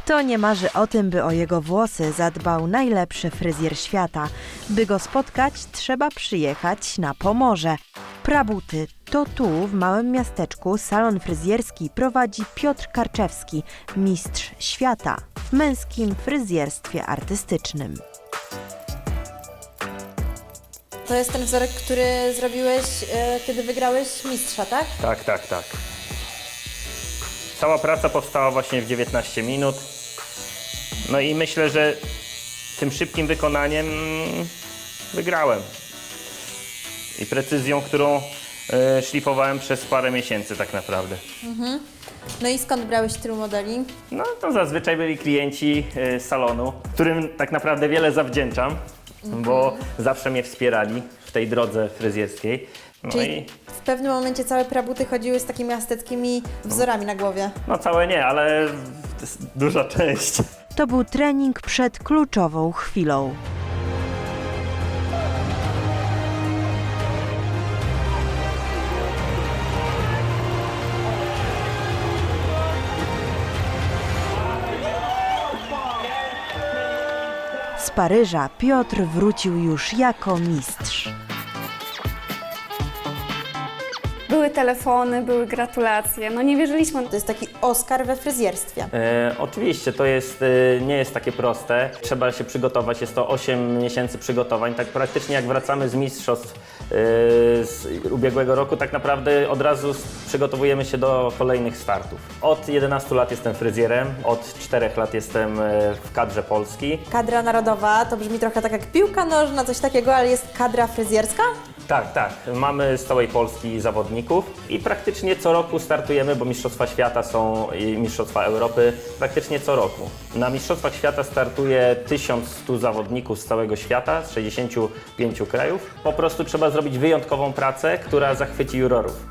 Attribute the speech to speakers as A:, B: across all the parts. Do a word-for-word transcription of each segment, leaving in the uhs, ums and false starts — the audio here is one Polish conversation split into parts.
A: Kto nie marzy o tym, by o jego włosy zadbał najlepszy fryzjer świata? By go spotkać, trzeba przyjechać na Pomorze. Prabuty. To tu, w małym miasteczku, salon fryzjerski prowadzi Piotr Karczewski, mistrz świata w męskim fryzjerstwie artystycznym.
B: To jest ten wzorek, który zrobiłeś, e, kiedy wygrałeś mistrza, tak?
C: Tak, tak, tak. Cała praca powstała właśnie w dziewiętnaście minut. No i myślę, że tym szybkim wykonaniem mm, wygrałem. I precyzją, którą e, szlifowałem przez parę miesięcy tak naprawdę.
B: Mhm. No i skąd brałeś tylu modeli?
C: No to zazwyczaj byli klienci e, salonu, którym tak naprawdę wiele zawdzięczam, bo zawsze mnie wspierali w tej drodze fryzjerskiej. No
B: Czyli
C: i
B: w pewnym momencie całe prabuty chodziły z takimi asteckimi wzorami na głowie.
C: no całe nie, ale to jest duża część.
A: To był trening przed kluczową chwilą. Z Paryża Piotr wrócił już jako mistrz.
D: Były telefony, były gratulacje, no nie wierzyliśmy.
B: To jest taki Oscar we fryzjerstwie.
C: E, oczywiście to jest, e, nie jest takie proste. Trzeba się przygotować, jest to osiem miesięcy przygotowań. Tak praktycznie jak wracamy z mistrzostw e, z ubiegłego roku, tak naprawdę od razu s- przygotowujemy się do kolejnych startów. Od jedenastu lat jestem fryzjerem, od czterech lat jestem e, w kadrze Polski.
B: Kadra narodowa to brzmi trochę tak jak piłka nożna, coś takiego, ale jest kadra fryzjerska?
C: Tak, tak. Mamy z całej Polski zawodników i praktycznie co roku startujemy, bo Mistrzostwa Świata są i Mistrzostwa Europy praktycznie co roku. Na Mistrzostwach Świata startuje tysiąc stu zawodników z całego świata, z sześćdziesięciu pięciu krajów. Po prostu trzeba zrobić wyjątkową pracę, która zachwyci jurorów.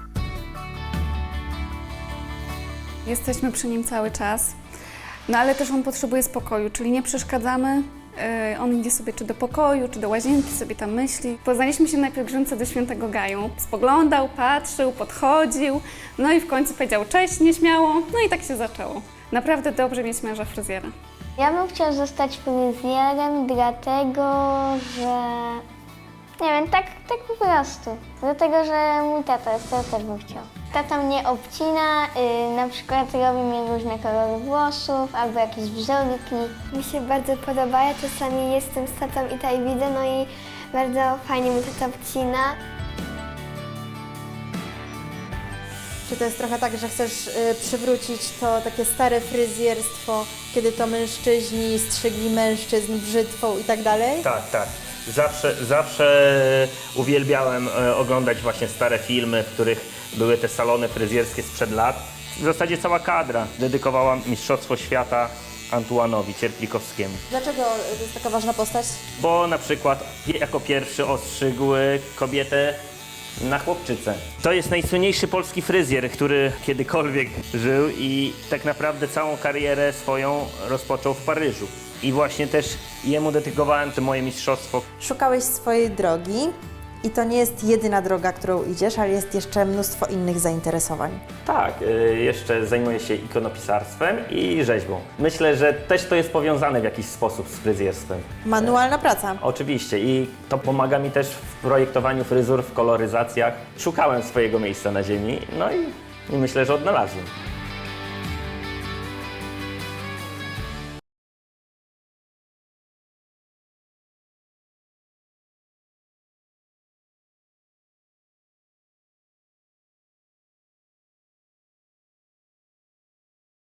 D: Jesteśmy przy nim cały czas, no ale też on potrzebuje spokoju, czyli nie przeszkadzamy. Yy, On idzie sobie czy do pokoju, czy do łazienki, sobie tam myśli. Poznaliśmy się na pielgrzymce do Świętego Gaju. Spoglądał, patrzył, podchodził, no i w końcu powiedział cześć nieśmiało, no i tak się zaczęło. Naprawdę dobrze mieć męża fryzjera.
E: Ja bym chciał zostać fryzjerem, dlatego że... Nie wiem, tak, tak po prostu. Dlatego, że mój tata jest, to ja też bym chciał. Tata mnie obcina, yy, na przykład robi mi różne kolory włosów albo jakieś wzorki. Mi się bardzo podoba, ja czasami jestem z tatą i tutaj widzę, no i bardzo fajnie mi tata obcina.
B: Czy to jest trochę tak, że chcesz y, przywrócić to takie stare fryzjerstwo, kiedy to mężczyźni strzygli mężczyzn brzytwą i tak dalej?
C: Tak, tak. Zawsze, zawsze uwielbiałem e, oglądać właśnie stare filmy, w których były te salony fryzjerskie sprzed lat. W zasadzie cała kadra dedykowała Mistrzostwo Świata Antuanowi Cierplikowskiemu.
B: Dlaczego to jest taka ważna postać?
C: Bo na przykład pie- jako pierwszy ostrzygł kobietę na chłopczycę. To jest najsłynniejszy polski fryzjer, który kiedykolwiek żył i tak naprawdę całą karierę swoją rozpoczął w Paryżu. I właśnie też jemu dedykowałem to moje mistrzostwo.
B: Szukałeś swojej drogi i to nie jest jedyna droga, którą idziesz, ale jest jeszcze mnóstwo innych zainteresowań.
C: Tak, y, jeszcze zajmuję się ikonopisarstwem i rzeźbą. Myślę, że też to jest powiązane w jakiś sposób z fryzjerstwem.
B: Manualna praca.
C: Oczywiście i to pomaga mi też w projektowaniu fryzur, w koloryzacjach. Szukałem swojego miejsca na ziemi, no i, i myślę, że odnalazłem.